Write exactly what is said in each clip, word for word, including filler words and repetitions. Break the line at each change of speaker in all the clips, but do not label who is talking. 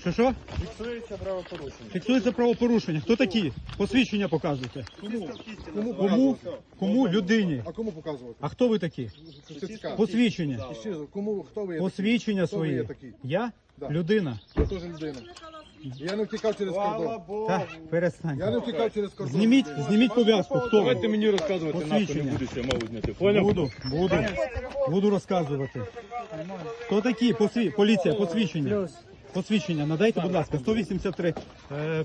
Що, що?
Фіксується правопорушення.
Фіксується правопорушення. Хто такі? Посвідчення показуйте.
Кому?
Кому? Кому? Кому? Людині.
А кому показувати?
А хто ви такі?
Це цікаво.
Посвідчення.
І ще, кому, хто ви є
Посвідчення
Хто ви є
свої.
такі?
Я?
Да.
Людина.
такий? Я теж людина. Я не втікав через кордон.
Так, перестань.
Я не втікав через кордон.
Зніміть, зніміть пов'язку. Хто ви?
Давайте мені розказувати, нахуй не
Посвідчення.
будете мову зняти. Поняв?
Буду, буду. Буду розказувати. Хто такі? Посві... Поліція, посвідчення. Посвідчення, надайте, будь ласка, сто вісімдесят три. Е,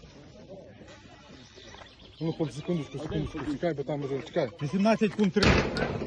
Ну, хлопці, секундочку, секундочку, чекай, бо там вже, чекай.
вісімнадцять пункт три.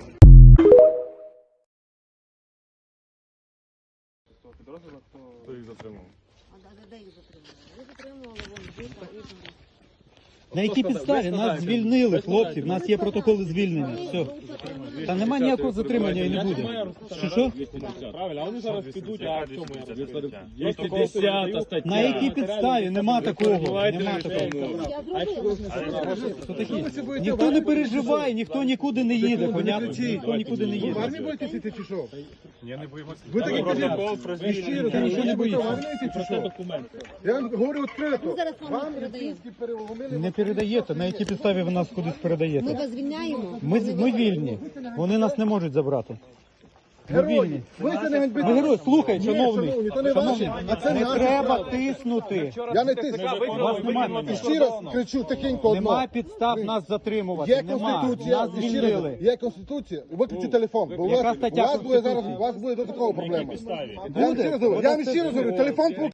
Хто їх затримав?
А де їх затримали? Ви затримували вон діта і
На якій підставі? Нас звільнили, хлопці, в нас є протоколи звільнення. Все. Та немає ніякого затримання і не буде. Що, що?
Правильно, а вони зараз підуть, а в чому я двісті десята стаття.
На якій підставі? Нема такого. Нема такого.
я зробила.
Хто такі? Ніхто не переживає, ніхто нікуди не їде, понятно? Ніхто нікуди не
Ви в армії
їде.
будете сіти чи що?
Я не боюся.
Ви такі
Протокол про
кажіть, щиро,
Ти нічого не
ви будете в
боїшся.
армію йти чи що?
документи.
Я вам говорю відкрито.
Ми зараз вам
Вам
передаємо.
російські переломили.
Не передаєте, на якій підставі ви нас кудись
Ми
передаєте?
вас звільняємо.
Ми, ми вільні, вони нас не можуть забрати. Ми
Герої,
вільні.
ви це не ганьбите.
Ви герой, слухай,
Ні,
шановний,
шановні, то не ваші, а це
не
наші.
треба тиснути.
Я не тисну.
У вас немає.
І ще раз кричу тихенько одно.
Нема підстав нас затримувати.
Є
Нема.
конституція,
Нас
і ще раз,
звільнили.
є конституція. Виключи телефон, бо у
Яка
вас, у
стаття
вас буде зараз,
Конституції?
у вас буде до такого проблема.
Буде?
Я вам ще раз говорю, я вам ще раз говорю, телефон про-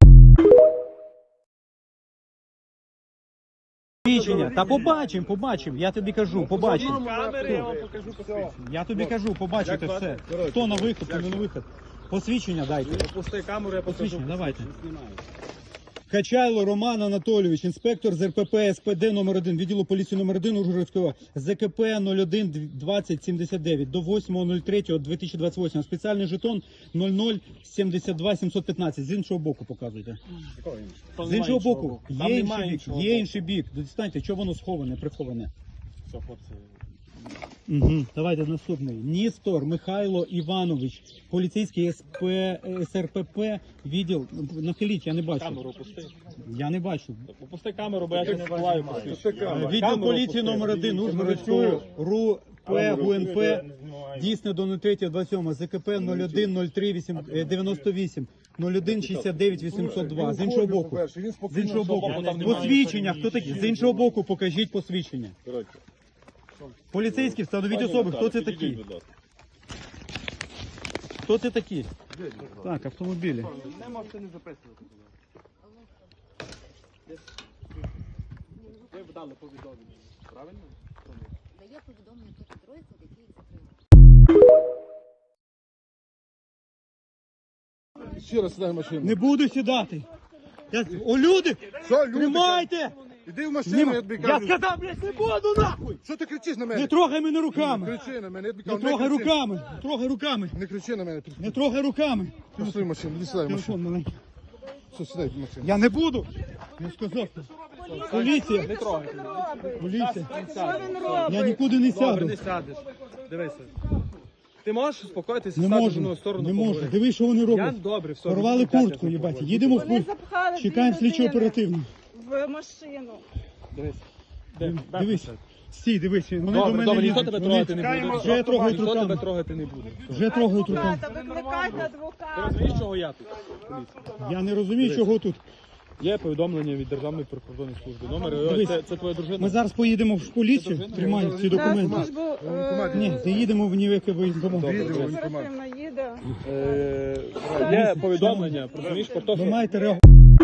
Посвідчення. Та побачимо, побачимо. Я тобі кажу, побачимо. Я тобі кажу, побачите все. Хто на вихід, хто не на вихід. Посвідчення дайте.
Пусти камеру, я
Посвідчення, давайте. Качайло Роман Анатолійович, інспектор з ер пе пе ес пе де номер один, відділу поліції номер один Ужгородського, зет ка пе нуль один двадцять сімдесят дев'ять до восьмого третього дві тисячі двадцять восьмого. Спеціальний жетон нуль нуль сімдесят два сімсот п'ятнадцять. З іншого боку показуйте. З іншого боку. Є інший бік. Є інший бік. Достаньте, чого воно сховане, приховане.
Все, хлопці.
Угу. Давайте наступний. Ністор Михайло Іванович, поліцейський ес пе, ес ер пе пе, відділ. Нахиліть, я не бачу.
Камеру пусти.
Я не бачу.
Попусти камеру, бо я ще не буваю.
Відділ поліції номер один Ужгородського РУ П ГУ ен Пе, дійсне до нуль третього двадцять сьомого, зет ка пе нуль один нуль три дев'яносто вісім, нуль один шістдесят дев'ять вісімсот два. З іншого боку. З іншого боку. Посвідчення. Хто такі? З іншого боку покажіть посвідчення. Поліцейські, встановіть особи. Хто це такі? Хто це такі? Так, автомобілі.
Не можете не записувати. Ви б дали повідомлення, правильно?
Дає повідомлення про підрозділ, який їх затримав.
Ще раз сідай в машину.
Не буду сідати. Я... О, люди!
Що, люди?
Тримайте!
Іди в машину,
Нема-
я тобі
Я
кажу.
сказав, блядь, не буду нахуй!
Що ти кричиш на
Не
мене?
трогай мене руками!
Кричи на мене, я тобі
Не
кажу,
трогай
кричи.
руками! Не трогай руками!
Не кричи на мене.
Не трогай руками!
Пішли в машину, іди сідай в машину.
Телефон маленький.
Все, сідай в машину.
Я не буду! Я сказав. Поліція!
Не трогайте.
Поліція!
Що він робить?
Я нікуди не
Добре,
сяду.
не сядеш. Дивися. Ти можеш успокоїтися,
Не
стати в
можу,
одну сторону
не можу.
поговорити?
Дивись, що вони
Я
роблять.
добре, все.
Порвали
відійдіть, я
куртку,
щас
їбать.
поговорю.
Їдемо в
Вони
пункт.
запхали
Чекаємо
дві
слідчо
людини
оперативно.
в машину.
Дивись.
Дивись. Стій, дивись. Вони до
Добре,
мене
добре, ніхто
лізуть.
тебе
Вони
трогати не буде.
Вже трогають
Ніхто тебе
руками.
трогати не буде.
Вже трогають руками.
Адвоката, викликайте
Ти
адвоката.
розумієш, чого я тут?
Я не розумію, чого тут.
Є повідомлення від Державної прикордонної служби. Номер,
Дивись.
це, це твоя дружина?
Ми зараз поїдемо в поліцію, тримаємо ці
На
документи.
службу е,
Ні, заїдемо в ніяке воєнкомат.
оперативна їде.
Е, є повідомлення, розумієш, про те,
Ви
що...
маєте реагувати.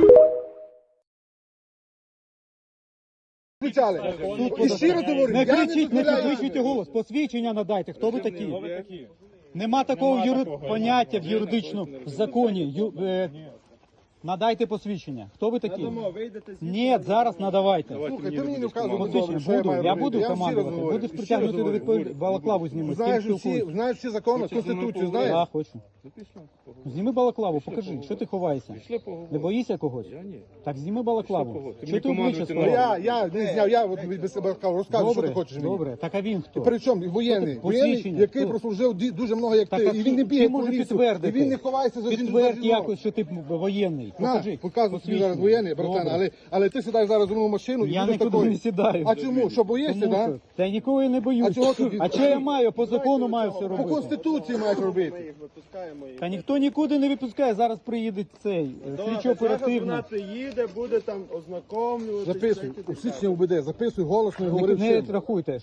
Кричали. І щиро говорю,
Не
я не
кричіть, не
дозволяю.
підвищуйте голос. Посвідчення надайте. Хто ви такі?
Ви такі.
Нема такого юри... поняття в юридичному законі. Ю... Е... Надайте посвідчення. Хто ви такі? Ні, зараз надавайте.
Слухай, ти мені не вказуй,
Посвідчення
що я
буду,
маю
я
робити.
буду
вам щиро
командувати.
говорю,
Будеш
щиро
притягнути до
говорю.
відповідальності. Балаклаву зніми.
Знаєш всі, знаєш всі закони, Конституцію знаєш?
Так, хочу. Зніми балаклаву, покажи, що ти ховаєшся. Не боїшся когось? Так зніми балаклаву. Що ти обличчя
Ну,
сховав?
я, я не зняв, я от без себе розказую, що ти
Добре,
хочеш мені.
добре. Так а він хто?
При чому? Воєнний, воєнний,
Посвідчення,
який
хто?
прослужив ді- дуже много, як
Так,
ти.
а
І він не
ти
бігає по
може
лісу, і
підтвердити.
він не ховається за жінку.
Підтвердь якось, що ти воєнний. свій.
На,
Покажи.
показуй тобі
Посвідчення.
зараз воєнний, братан,
Добре.
але, але ти сідаєш зараз у нову машину і
Я
будеш
нікуди
такою.
не сідаю.
А чому? Що боїшся,
Тому
так?
що- Та я нікого і не боюсь.
А чого тоді?
А що я маю? По закону маю все
По
робити.
Конституції маєш робити.
Та ніхто нікуди не випускає. Зараз приїде цей е, слідчо оперативно.
Вона приїде, буде там ознакомлювати.
Записуй, у січня УБД, записуй голосно і говори
Не, не
всім.
рахуйте.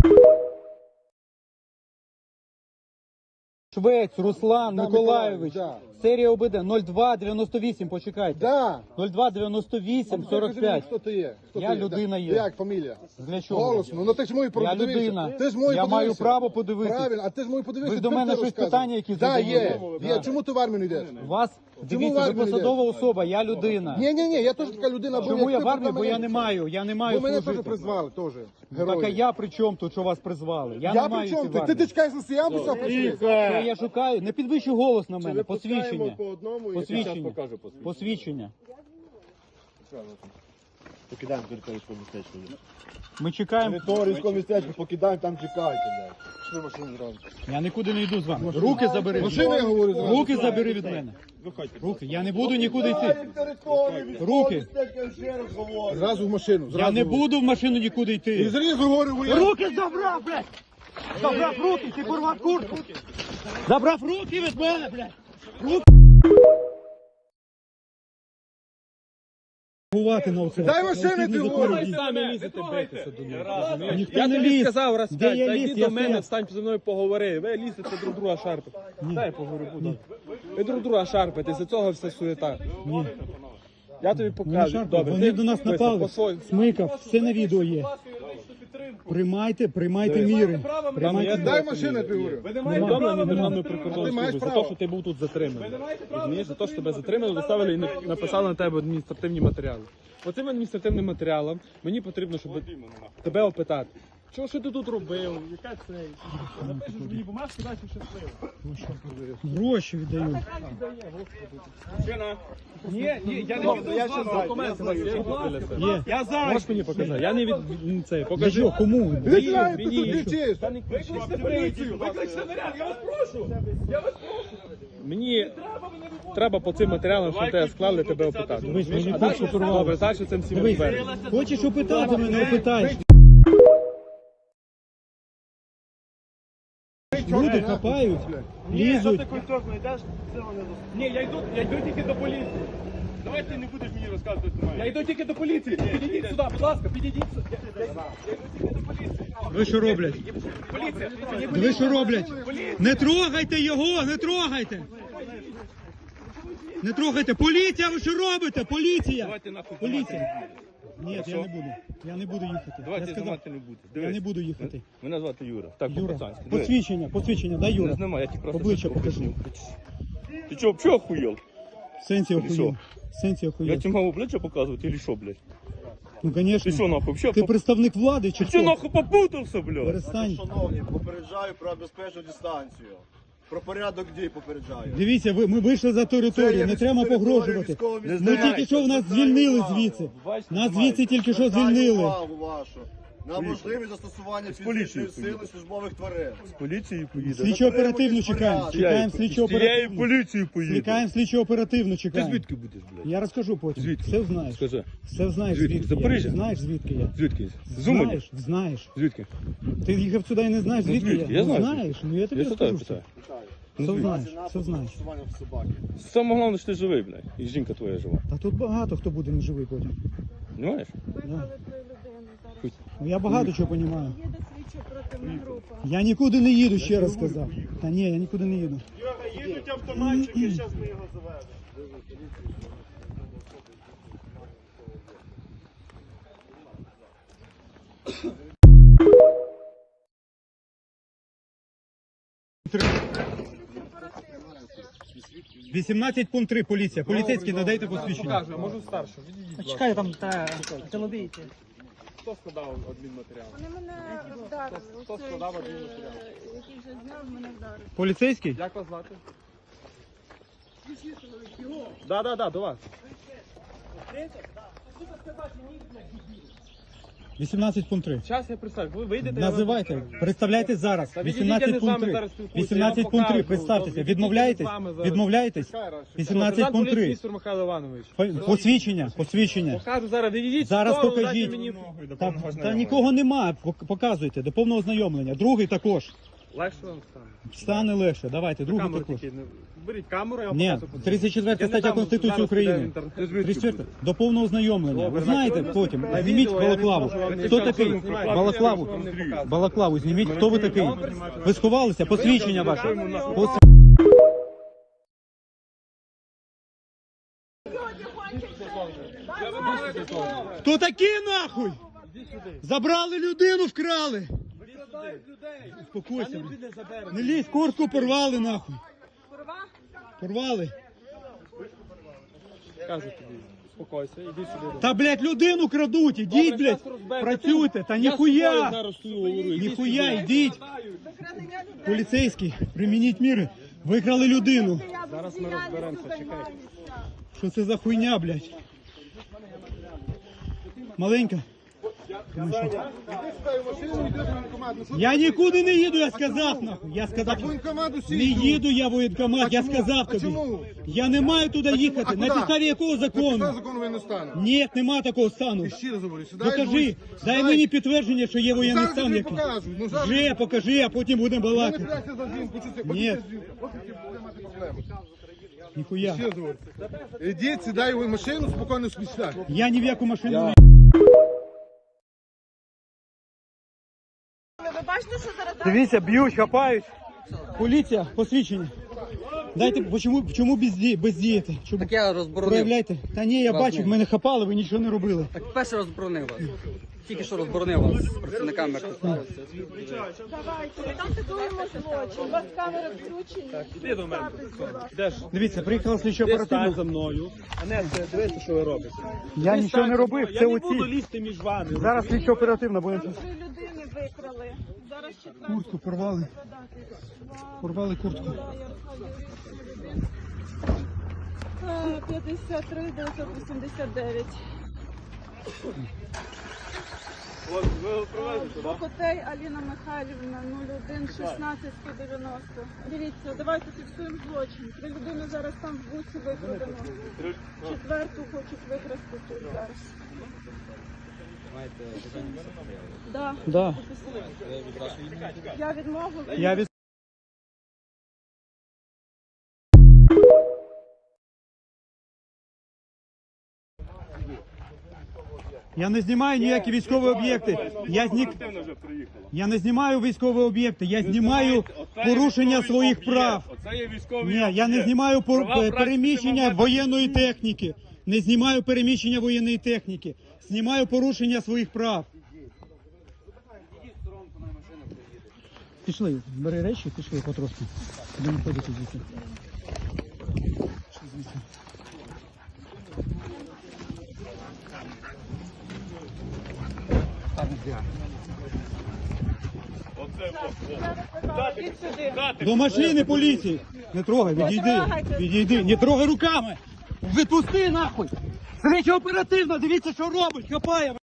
Швець Руслан
Да,
Миколайович.
Миколаївич,
Серія ОБД нуль два дев'яносто вісім, почекайте.
Да.
нуль два дев'яносто вісім сорок
Покажи мені,
п'ять.
хто ти є. Хто
Я
ти є?
людина
Да.
є.
Як фамілія?
Для чого?
Голосно. Ну ти ж мою
Я
подивися.
людина.
Ти ж мою
Я маю
подивися.
право подивитися.
Правильно, а ти ж мою подивися.
Ви ж до
тепер
мене
ти
щось
розказуй.
питання якісь
Да,
задаєте?
є.
Да.
Є. Чому ти в армію не йдеш?
Вас,
в
дивіться, ви
армію
посадова
йдеш?
особа, я людина.
Ні, ні, ні, я теж така людина. бо
Чому
як
я
ти
в армії?
проти
Бо я
мене-
не маю, я не маю
Бо мене
служити.
теж призвали, теж.
Так а
Герої.
я при чому тут, що вас призвали? Я,
Я
не
при
маю
чому?
йти в
Ти, ти,
армію.
ти чекаєш на сіян писав прийшли?
Що я шукаю? Не підвищуй голос на мене. Посвідчення.
по одному і
Посвідчення.
зараз покажу посвідчення.
Посвідчення.
Покидаємо територію містечко.
Ми чекаємо.
Територію містечко покидаємо, там чекайте, блядь.
Пішли машину зразу.
Я нікуди не йду з вами. Руки забери. від
Машину
мене.
я говорю зразу.
Руки забери від мене. Руки. Я не буду нікуди йти. Руки.
Зразу в машину. Зразу.
Я не буду в машину нікуди
І
йти.
зрізу говорю, воєнний.
Руки забрав, блядь! Забрав руки, ти порвав куртку. Забрав руки від мене, блядь! Руки! Гувати на оце.
Дай машини, ти говориш.
Самі лізете битися до мене.
Ніхто
Я
не
тобі
ліз.
сказав раз
Де
п'ять,
я
та
ліз?
йди
Я
до мене,
стояв.
встань зі мною поговори. Ви лізете друг друга шарпити. Дай поговорю, буду. Ви друг друга шарпите, з цього все суєта.
Ні.
Я тобі
Не
покажу.
шарпай.
Добре,
Вони
ти
до нас
дивися,
напали.
по своїй-
Смикав, все на відео є. Приймайте, приймайте міри. Приймайте
Дай
Дай
міри.
машину, я тобі говорю.
Повідомлення Державної
Ти
прикордонної
маєш
служби за
право.
те, що ти був тут затриманий. Розумієш, за те, що тебе затримали, доставили і на- написали на тебе адміністративні матеріали. По цим адміністративним матеріалам мені потрібно, щоб тебе опитати. Що, що ти тут робив? Яка це? Напишеш мені бумажку, далі щасливо.
Гроші віддаю.
Ні, ні, я не віду, я ще документи.
Є.
Я зараз. Можеш мені показати? Я не від від- це.
Для
Покажи.
чого? Кому?
Витягай, ти
мені
тут
що?
кричиш.
Викличте поліцію! Викличте наряд, я вас прошу! Я вас прошу! Мені треба по цим матеріалам, що тебе склали, тебе опитати.
Дивись, мені
А далі,
куртку порвав.
добре, далі цим всім
Дивись,
розберемося.
хочеш опитати мене, опитаєш. Люди хапають, лізуть.
Ні, я йду, я йду тільки до поліції. Давай ти не будеш мені розказувати. Я йду тільки до поліції. Підійдіть сюди, будь ласка, підійдіть сюди. Я, я, я йду тільки до поліції.
Ви що роблять?
Поліція,
Ви що роблять? Не трогайте його, не трогайте! Не трогайте! Поліція, ви що робите? Поліція!
Давайте нахуй.
Поліція! Ні, я не буду. Я не буду їхати. Я
Давайте
сказав,
знімати не будете.
я
Дивись.
не буду їхати.
Мене звати Юра. Так,
Юра,
по-пацанськи. Дивись.
посвідчення, посвідчення, дай
Не
Юра.
знімай, я ті просто...
Обличчя
щось
покажи.
поясню. Ти чого, взагалі охуєл?
В сенсі
що?
охуєв. В сенсі
Я
охуєв.
тебе мав обличчя показувати, или що, блядь?
Ну,
Ти що,
звісно.
нахуй, взагалі?
Ти представник влади чи
Ти що,
хто?
нахуй, попутався, блядь?
Перестань.
Шановні, попереджаю про безпечну дистанцію. Про порядок дій попереджаю.
Дивіться, ви, ми вийшли за територію, не треба погрожувати. Ми тільки що нас звільнили звідси. Нас звідси тільки що звільнили.
Увагу вашу на можливість застосування фізичної
поліцією
сили службових тварин.
З поліцією поїде.
Слідчо оперативно чекаємо. Чекаємо слідчо
З тією
оперативно.
поліцією поїде.
Чекаємо слідчо оперативно
Ти
чекаємо.
звідки будеш, блядь?
Я розкажу потім.
Звідки?
Все знаєш.
Скажи.
Все знаєш
Звідки?
звідки.
Запоріжжя?
Я. Знаєш звідки я.
Звідки? З Умані?
Знаєш, знаєш.
Звідки?
Ти їхав сюди і не знаєш
Ну,
звідки
звідки?
я.
Я
Ну,
знаю
знаєш, ну я тобі
Я що тебе
розкажу.
питаю?
все.
Ну,
Все
звідки?
знаєш, все знаєш.
Застосування в собаки.
Саме головне, що ти живий, блядь. І жінка твоя жива.
Та тут багато хто буде неживий потім.
Понимаєш?
Виклали три людини зараз.
Ну, я багато чого розумію.
Їде слідчо оперативна група.
Я нікуди не їду, ще раз сказав. Та ні, я нікуди не їду.
Їдуть автоматчики, зараз ми його заведемо.
вісімнадцять пункт три, поліція. Поліцейський, надайте посвідчення.
Покажу, а можу старшу. Відійдіть, будь ласка.
Чекай, там та телебійте.
Хто складав адмінматеріал?
Вони мене вдарили.
Хто
Оцей,
складав
е,
адмінматеріал?
який вже зняв, мене вдарив.
Поліцейський?
Як вас звати? Да, да, да, до вас.
вісімнадцять пункт три.
Час я представлю. Ви вийдете. я вам
Називайте,
покажу.
представляйте зараз.
Та відійдіть, я не
вісімнадцять
з вами
пункт три.
зараз спілкуюся,
вісімнадцять
я вам
пункт три,
покажу.
представтеся.
Відійдіть,
Відмовляєтесь?
я з вами зараз.
Відмовляєтесь? вісімнадцять
Сержант
пункт
поліції
три.
Містер Михайло Іванович.
Посвідчення, посвідчення.
Покажу зараз, відійдіть. в
Зараз
сторону,
покажіть.
дайте мені-
Та, та нікого немає, пок- показуйте, до повного ознайомлення. Другий також.
Легше вам стане.
Стане легше, давайте, другий
Камеру
також.
тільки, не- Беріть камеру, я вам
Ні,
покажу.
тридцять четверта
Я не
стаття
дам,
Конституції
зараз піде в
України.
інтернет.
тридцять четверта. До повного ознайомлення. Ви
Добре,
знаєте
на-
потім.
на
Зніміть
відео я не
балаклаву.
зможу вам не
Хто
показати.
такий?
Знімайте,
Балаклаву.
я ж вам не показую.
Балаклаву зніміть. Хто ви такий? Ви сховалися? Посвідчення ваше. Пос- Хто такі нахуй? Забрали людину, вкрали. Успокойся. блін. Не лізь, куртку порвали нахуй. Порвали.
Кажу тобі, успокойся, іди сюди.
Та, блядь, людину крадуть, ідіть,
Добре,
блядь,
щас розберемося.
працюйте, та
Я з тобою
ніхуя,
зараз стою, говорю, іди
ніхуя,
сюди.
ідіть. Поліцейський, примініть міри, викрали людину.
Зараз ми розберемося, чекай.
Що це за хуйня, блядь? Маленька. Я нікуди не їду, я сказав, нахуй. Я сказав,
Воєнкомат
не їду я в воєнкомат, я
чому?
сказав
А
тобі.
чому?
Я не маю туди їхати.
А
На
куди?
підставі якого
Закону.
закону?
Закону воєнного стану.
Ні, нема такого стану.
І ще раз говорю, сідай.
Покажи,
будь-
дай
сідай.
мені підтвердження, що є воєнний
Зараз я
стан
тобі
який.
покажу. Ну, зараз-
Вже покажи, а потім будемо
Ну, не
балакати.
прячься за жінку, чи це?
Ні.
Ось ти жінка. Ось ти буде мати проблеми.
Ніхуя.
Ще раз говорю. Ідіть, сідай в машину, спокійно спічтай.
Я ні в яку машину не
Ви бачите, що зараз
Дивіться, б'ють, хапають. Поліція, посвідчення. Дайте, бо чому, чому безді, бездієте? Чому?
Так я розборонив.
Проявляйте. Та ні, я
Вас
бачу,
ні.
мене хапали, ви нічого не робили.
Так перше розборонив вас. Тільки що розборонив вас з працівниками, як сталося.
давайте, ви там такуємо злочин. У вас камери включені.
Іди до мене. Йдеш.
Дивіться, приїхала слідчо
Ти стань
оперативно.
за мною. А не, це дивися, що ви робите.
Я
Ти
нічого
стань
не
за
робив,
мною.
це
Я не буду
оці.
лізти між вами.
Зараз слідчо оперативно будемо.
Там три людини викрали. Зараз четверту
Куртку порвали. Порвали куртку.
Е, п'ятдесят три дев'ятсот вісімдесят дев'ять. Бокотей Аліна Михайлівна нуль один шістнадцять сто дев'яносто. Дивіться, давайте фіксуємо злочин. Три людини зараз там в бусі викрадено. Четверту хочуть викрасти тут зараз. Да.
Да.
Я відмову.
Я від... Я не знімаю ніякі військові об'єкти. Я, зні... я не знімаю військові об'єкти. Я знімаю порушення своїх прав.
Оце є військовий.
Ні, я не знімаю пор-
Права праці
переміщення
немає.
воєнної техніки. Не знімаю переміщення воєнної техніки. Знімаю порушення своїх прав. Пішли, бери речі, пішли потрошки. Будемо ходити звідси. Пішли звідси.
Ідіть сюди.
До машини поліції. Не трогай, відійди.
трогайте.
Відійди, не трогай руками. Відпусти нахуй. Слідчо оперативно, дивіться, що робить, хапає.